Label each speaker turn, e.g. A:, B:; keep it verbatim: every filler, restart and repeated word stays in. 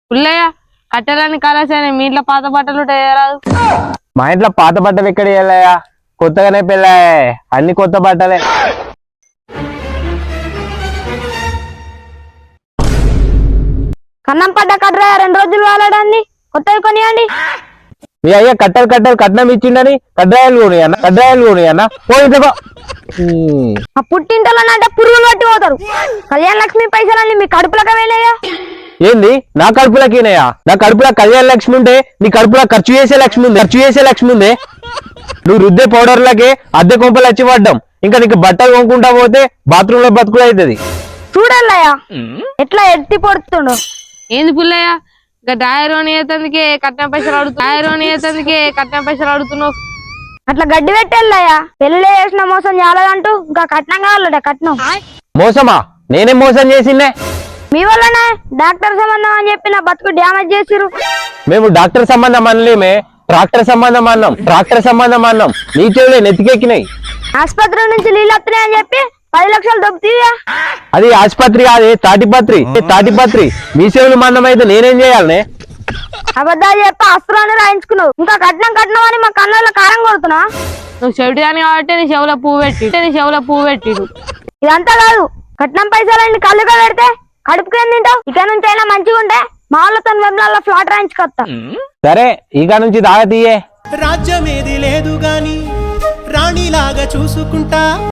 A: పుల్లయ్య కట్టెలని కలాసాని మీ ఇంట్లో పాత బట్టలు రాదు.
B: మా ఇంట్లో పాత బట్టలు ఎక్కడ వెళ్ళాయా? కొత్తగానే పెళ్ళాయా, అన్ని కొత్త బట్టలే.
C: కన్నం పడ్డ కట్టరా రెండు రోజులు వాలాడాన్ని కొత్తవి కొనియండి.
B: మీ అయ్యా కట్టెలు కట్టెలు కట్నం ఇచ్చిండని కడ్రాయలు కొని అన్న కడ్రాయలు కొని అన్న పోయిందో.
C: ఆ పుట్టింటలోనంటే పురుగులు పట్టి పోతారు. కళ్యాణ లక్ష్మి పైసలన్నీ మీ కడుపులకు వెళ్ళాయా?
B: ఏంది నా కడుపులకినయా? నా కడుపులో కళ్యాణ లక్ష్మి ఉంటే నీ కడుపులో ఖర్చు చేసే లక్ష్మి ఉంది. ఖర్చు చేసే లక్ష్మి ఉందే. నువ్వు రుద్దే పౌడర్లకే అద్దె కొంపలు వచ్చి పడ్డాం. ఇంకా నీకు బట్టలు కొనుక్కుంటా పోతే బాత్రూమ్ లో బతుకులు అవుతుంది.
C: చూడల్లయ్యా ఎట్లా ఎత్తి పొడుతుండు.
A: ఏంది పుల్లయ్య ఇంకా డాయరోని ఏతందుకే కట్నం పైసలు అడుగుతు డాయరోని ఏతందుకే కట్నం పైసలు అడుగుతున్నావు.
C: అట్లా గడ్డి పెట్టెళ్ళయ్యా. పెళ్లి చేసిన మోసం చాలదంటూ ఇంకా కట్నం కావాలట. కట్నం
B: మోసమా? నేనేం మోసం చేసిందే?
C: మీ వల్లనే డాక్టర్ సంబంధం అని చెప్పి నా బతుకు డ్యామేజ్ చేసిరు.
B: మేము డాక్టర్ సంబంధం అనలేమే, ట్రాక్టర్ సంబంధం అన్నాం. ట్రాక్టర్ సంబంధం అన్నాం. నీ చెవులే నెత్తికెక్కినాయి.
C: ఆసుపత్రి నుంచి నీళ్ళు వస్తున్నాయి అని చెప్పి పది లక్షలు దొబ్బుతీయా?
B: అది ఆసుపత్రి కాదే, తాటిపత్రి. తాటిపత్రి మీ చెవులు మందం అయితే నేనేం చేయాలనే?
C: అబద్ధాలు చెప్పి అస్త్రాన్ని రాయించుకున్నావు. ఇంకా కట్నం కట్నం అని మా కన్నుల్లో కారం కొడుతున్నా.
A: నువ్వు చెవిటి అని కాబట్టి నీ చెవుల పువ్వు పెట్టి నీ చెవుల పువ్వు పెట్టిడు.
C: ఇదంతా కాదు, కట్నం పైసలన్నీ కళ్ళుగా పెడితే కడుపుకి ఏం తింటావు? ఇక నుంచి అయినా మంచిగా ఉంటే మా వాళ్ళతో వెంబడాల్లో ఫ్లాట్ రాయించుకొస్తా.
B: సరే ఇక నుంచి తాగతీయే.
D: రాజ్యమేది లేదు గాని రాణిలాగా చూసుకుంటా.